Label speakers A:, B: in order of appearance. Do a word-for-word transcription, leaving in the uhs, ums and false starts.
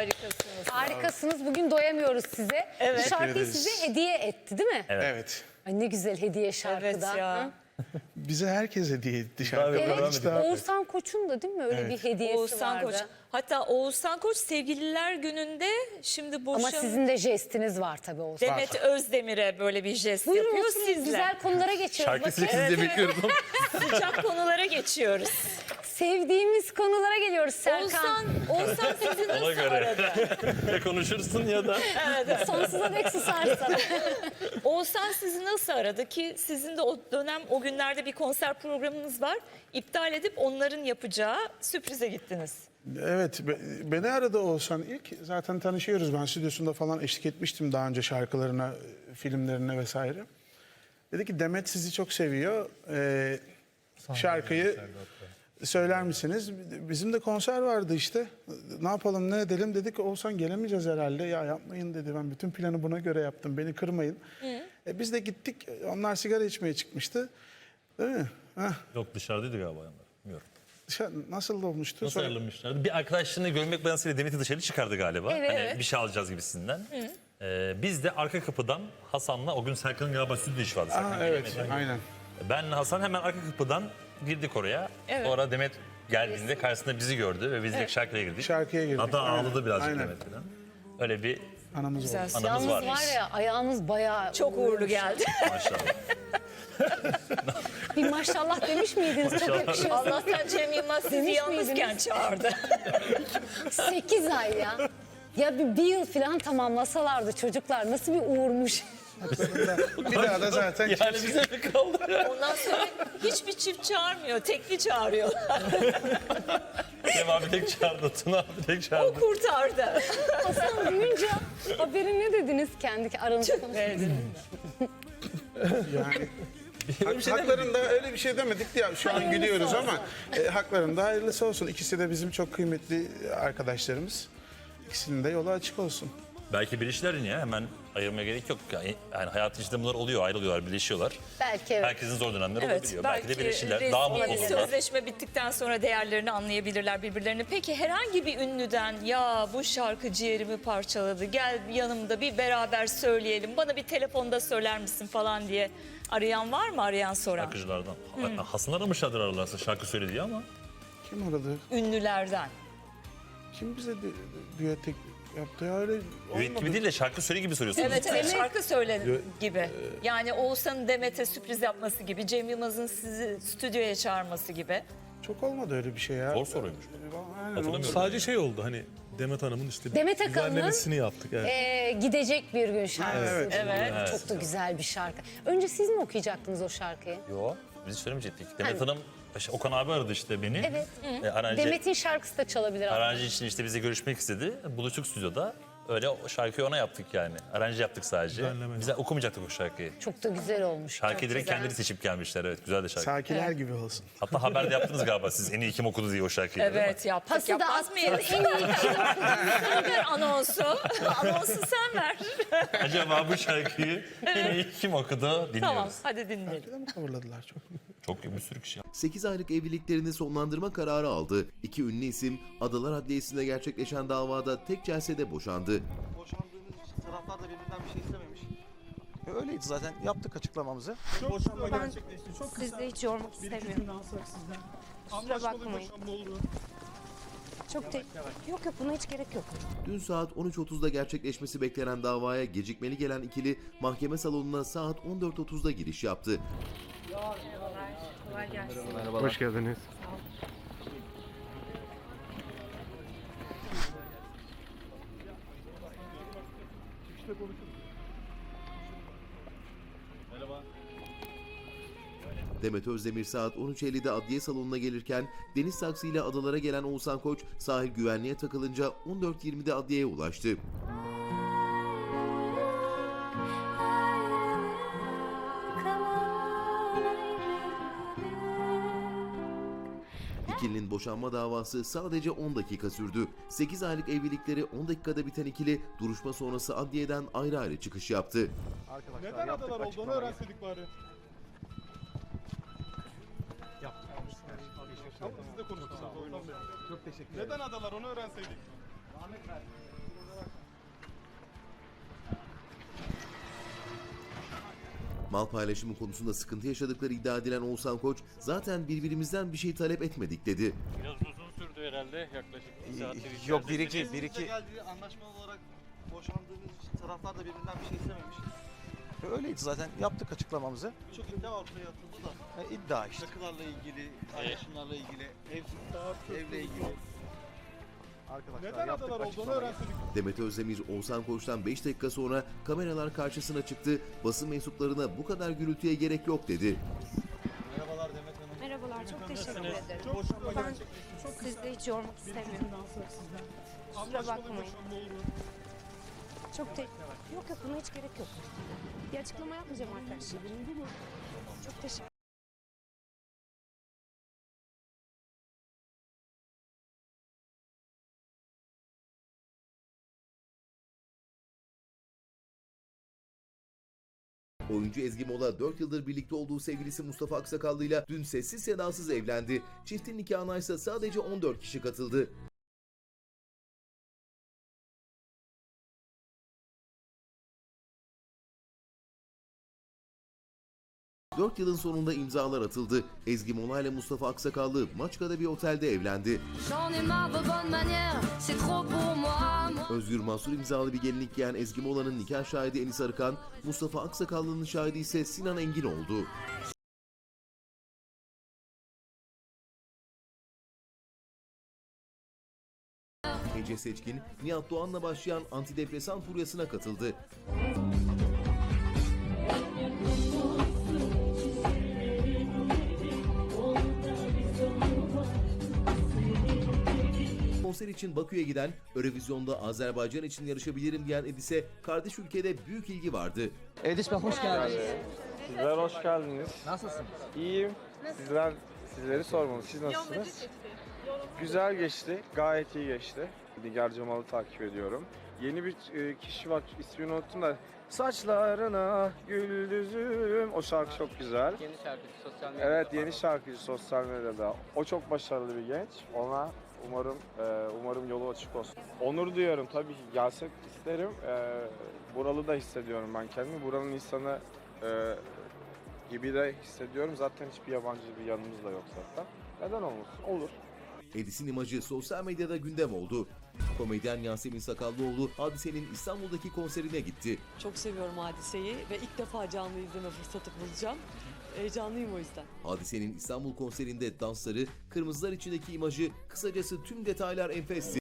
A: Harikasınız.
B: Harikasınız. Bugün doyamıyoruz size.
A: Evet.
B: Bu şarkıyı
C: Teşekkür ederiz.
B: size hediye etti değil mi?
C: Evet. evet.
B: Ay ne güzel hediye
A: Evet
B: şarkıdan.
A: ya.
B: Hı?
C: Bize herkes hediye etti şarkı.
D: Tabii,
B: Evet.
C: Hiç daha-
B: Oğuzhan Koç'un da değil mi öyle
C: Evet.
B: bir hediyesi
A: Oğuzhan
B: vardı.
A: Koç. Hatta Oğuzhan Koç sevgililer gününde şimdi boşan...
B: Ama sizin de jestiniz var tabii Oğuzhan.
A: Demet Özdemir'e böyle bir jest
B: Buyurun
A: yapıyor
B: oturun,
A: sizle.
B: güzel konulara geçiyoruz.
D: Şarkı
B: Bakın.
D: sizi de bekliyorum.
A: Sıcak konulara geçiyoruz.
B: Sevdiğimiz konulara geliyoruz Serkan.
A: Oğuzhan, Oğuzhan sizi
D: Ona
A: nasıl
D: göre.
A: aradı?
D: Ya konuşursun ya da.
B: Sonsuza dek susarsan.
A: Oğuzhan sizi nasıl aradı ki sizin de o dönem o günlerde bir konser programınız var. İptal edip onların yapacağı sürprize gittiniz.
C: Evet, be- beni aradı Oğuzhan ilk. Zaten tanışıyoruz. Ben stüdyosunda falan eşlik etmiştim daha önce şarkılarına, filmlerine vesaire. Dedi ki Demet sizi çok seviyor. Ee, şarkıyı söyler misiniz? Bizim de konser vardı işte. Ne yapalım, ne edelim dedik. Oğuzhan gelemeyeceğiz herhalde. Ya yapmayın dedi. Ben bütün planı buna göre yaptım. Beni kırmayın. E, biz de gittik. Onlar sigara içmeye çıkmıştı. Değil mi? Heh.
D: Yok dışarıdaydı galiba yanlar. Bilmiyorum.
C: Dışarı- Nasıl olmuştu?
D: Nasıl
C: Sonra-
D: ayrılmışlardı? Bir arkadaşlarını görmek bahanesiyle Demet'i dışarı çıkardı galiba.
B: Evet.
D: Hani bir şey alacağız gibisinden. Ee, biz de arka kapıdan Hasan'la o gün Serkan'ın galiba stüdyo işi vardı. Serkan
C: Aa, evet,
D: gelemedi.
C: aynen.
D: Benle Hasan hemen arka kapıdan girdik oraya.
A: Evet.
D: Sonra Demet geldiğinde karşısında bizi gördü ve biz de şarkıya girdik.
C: Şarkıya girdik.
D: Hatta
C: Aynen,
D: ağladı birazcık
C: aynen.
D: Demet falan. Öyle bir
C: Anamız
A: Güzel.
C: oldu.
D: anımız
B: Yalnız
D: var.
B: var ya ayağınız bayağı...
A: Çok uğurlu geldi.
D: Maşallah.
B: Bir maşallah demiş miydiniz? Çok yakışıyor.
A: Allah'tan Cem Yılmaz sizi
B: Demiş
A: yalnızken
B: miydiniz?
A: çağırdı.
B: sekiz ay ya. Ya bir, bir yıl falan tamamlasalardı çocuklar nasıl bir uğurmuş.
C: Bir daha da zaten
D: Yani bize mi kaldı?
A: Ondan sonra hiçbir çift çağırmıyor, tekli çağırıyor.
D: Cem abi tek çağırdı, Tuna abi tek
A: O
D: çağırdı.
A: kurtardı.
B: Hasan duyunca haberi ne dediniz kendi aranızda konuştunuz?
C: yani hak, haklarında öyle bir şey demedik ya şu an gülüyoruz ama e, haklarında hayırlısı olsun. İkisi de bizim çok kıymetli arkadaşlarımız. İkisinin de yolu açık olsun.
D: Belki birleşirler ya hemen ayırmaya gerek yok. Yani, yani hayatın içinde bunlar oluyor, ayrılıyorlar, birleşiyorlar.
B: Belki evet.
D: Herkesin zor dönemleri
A: Evet,
D: olabiliyor.
A: belki,
D: Belki de birleşirler,
A: resmi
D: daha mutlu olurlar.
A: sözleşme bittikten sonra değerlerini anlayabilirler birbirlerini. Peki herhangi bir ünlüden ya bu şarkı ciğerimi parçaladı, gel yanımda bir beraber söyleyelim, bana bir telefonda söyler misin falan diye arayan var mı, arayan soran?
D: Şarkıcılardan. Hasan aramışlardır aralarsa şarkı söylediği ama.
C: Kim aradı?
A: Ünlülerden.
C: Kim bize dü- düet yaptı ya öyle
D: Düet gibi
C: olmadı.
D: değil de şarkı söyle gibi soruyorsunuz.
A: Evet, evet şarkı söyle gibi. Yani Oğuzhan'ın Demet'e sürpriz yapması gibi, Cem Yılmaz'ın sizi stüdyoya çağırması gibi.
C: Çok olmadı öyle bir şey ya.
D: Zor soruymuş.
C: Aynen,
D: Hatırlamıyorum.
E: Sadece şey oldu hani Demet Hanım'ın işte
B: Demet Akalın'ın-
E: düzenlemesini yaptık. Evet.
B: Ee, gidecek bir gün şarkısı.
C: Evet.
A: Evet.
B: Çok da güzel bir şarkı. Önce siz mi okuyacaktınız o şarkıyı?
D: Yo, biz hiç söylemeyecektik. Demet Hanım, işte Okan abi aradı işte beni.
B: Evet.
D: E, aranji,
B: Demet'in şarkısı da çalabilir aslında.
D: aranji için işte bize görüşmek istedi. Buluştuk stüdyoda. Öyle o şarkıyı ona yaptık yani. Aranji yaptık sadece.
E: Düzenleme.
D: Biz okumayacaktık o şarkıyı.
B: Çok da güzel olmuş.
D: Şarkıyı
B: çok
D: direkt
B: güzel.
D: kendileri seçip gelmişler. Evet, güzel de şarkı.
C: Sakiler gibi olsun.
D: Hatta haberde yaptınız galiba siz. En iyi kim okudu diye o şarkıyı. değil mi?
A: Evet yaptık.
B: Pası da
A: Yapmaz
B: attın
A: mıyız?
B: en iyi kim
A: Sen ver anonsu. Anonsu sen ver.
D: Acaba bu şarkıyı en iyi kim okudu dinliyoruz.
A: Tamam hadi dinleyelim.
C: Bir de mi coverladılar çok?
D: Çok bir sürü kişi.
F: sekiz aylık evliliklerini sonlandırma kararı aldı. İki ünlü isim Adalar Adliyesi'nde gerçekleşen davada tek celsede boşandı.
G: Boşandığımız için taraflar da birbirinden bir şey istememiş. E, öyleydi zaten. Yaptık açıklamamızı. Boşanma gerçekleşti. Çok
H: Sizi de hiç yormak istemiyorum. Kusura bakmayın. Çok te... Yok yok buna hiç gerek yok.
F: Dün saat on üç otuzda gerçekleşmesi beklenen davaya gecikmeli gelen ikili mahkeme salonuna saat on dört otuzda giriş yaptı.
H: Kolay gelsin.
C: Hoş geldiniz.
F: Demet Özdemir saat on üç ellide adliye salonuna gelirken deniz taksiyle adalara gelen Oğuzhan Koç sahil güvenliğe takılınca on dört yirmide adliyeye ulaştı. İkilinin boşanma davası sadece on dakika sürdü. sekiz aylık evlilikleri on dakikada biten ikili duruşma sonrası adliyeden ayrı ayrı çıkış yaptı.
G: Arkadaşlar
E: Neden
G: yaptık
E: adalar olduğunu
G: açıklamayı.
E: öğrenseydik bari. Ama siz de konuştunuz. Çok teşekkür ederim. Neden adalar onu öğrenseydik?
F: Sanal paylaşımı konusunda sıkıntı yaşadıkları iddia edilen Oğuzhan Koç, zaten birbirimizden bir şey talep etmedik dedi.
I: Biraz uzun sürdü herhalde yaklaşık bir saat.
G: Yok bir iki, bir
I: bir
G: iki.
I: geldi anlaşmalı olarak boşandığımız için taraflar da birbirinden bir şey istememiş.
G: Öyleydi zaten, yaptık açıklamamızı.
I: Birçok iddia ortaya atıldı da.
G: E, iddia işte.
I: Takılarla ilgili, paylaşımlarla ilgili, ev, evle ilgili.
G: Arkadaşlar
H: Neden
G: yaptık
H: adalar olduğunu
G: açıklamayı.
H: öğrenseydik.
F: Demet Özdemir, Oğuzhan Koç'tan beş dakika sonra kameralar karşısına çıktı. Basın mensuplarına bu kadar gürültüye gerek yok dedi.
I: Merhabalar Demet Hanım.
J: Merhabalar, çok teşekkür ederim.
H: Çok boşanma
J: Ben
H: gerçekleşti. Çok
J: sizi de hiç yormak istemiyorum.
H: cümle alsak sizden.
J: Kusura
H: Anlaşmalı
J: bakmayın.
H: boşanma olur mu?
J: Çok te Yok yok, buna hiç gerek yok. Bir açıklama yapmayacağım arkadaşlar. Çok teşekkür
F: Oyuncu Ezgi Mola dört yıldır birlikte olduğu sevgilisi Mustafa Aksakallı'yla dün sessiz sedasız evlendi. Çiftin nikahına ise sadece on dört kişi katıldı. dört yılın sonunda imzalar atıldı. Ezgi Mola ile Mustafa Aksakallı Maçka'da bir otelde evlendi. Özgür Mansur imzalı bir gelinlik giyen Ezgi Mola'nın nikah şahidi Enis Arıkan, Mustafa Aksakallı'nın şahidi ise Sinan Engin oldu. Ece Seçkin, Nihat Doğan'la başlayan antidepresan furyasına katıldı. Konser için Bakü'ye giden, Eurovision'da Azerbaycan için yarışabilirim diyen Edis'e kardeş ülkede büyük ilgi vardı.
G: Edis Bey hoş geldiniz.
K: Sizler hoş geldiniz.
G: Nasılsın?
K: İyiyim. Sizler sizleri sormalı. Siz nasılsınız? Güzel geçti. Gayet iyi geçti. Nigar Cemal'ı takip ediyorum. Yeni bir e, kişi var. İsmini unuttum da. Saçlarına güldüzüm. O şarkı çok güzel.
I: Yeni şarkıcı sosyal medyada.
K: Evet, yeni şarkıcı sosyal medyada. O çok başarılı bir genç. Ona umarım e, umarım yolu açık olsun. Onur duyuyorum tabii ki. Gelsek isterim. E, buralı da hissediyorum ben kendimi. Buranın insanı e, gibi de hissediyorum. Zaten hiçbir yabancı bir yanımız da yok zaten. Neden olmasın? Olur.
F: Edis'in imajı sosyal medyada gündem oldu. Komedyen Yasemin Sakallıoğlu Hadise'nin İstanbul'daki konserine gitti.
L: Çok seviyorum Hadise'yi ve ilk defa canlı izleme fırsatı bulacağım. Heyecanlıyım o yüzden.
F: Hadise'nin İstanbul konserinde dansları, kırmızılar içindeki imajı, kısacası tüm detaylar enfesti.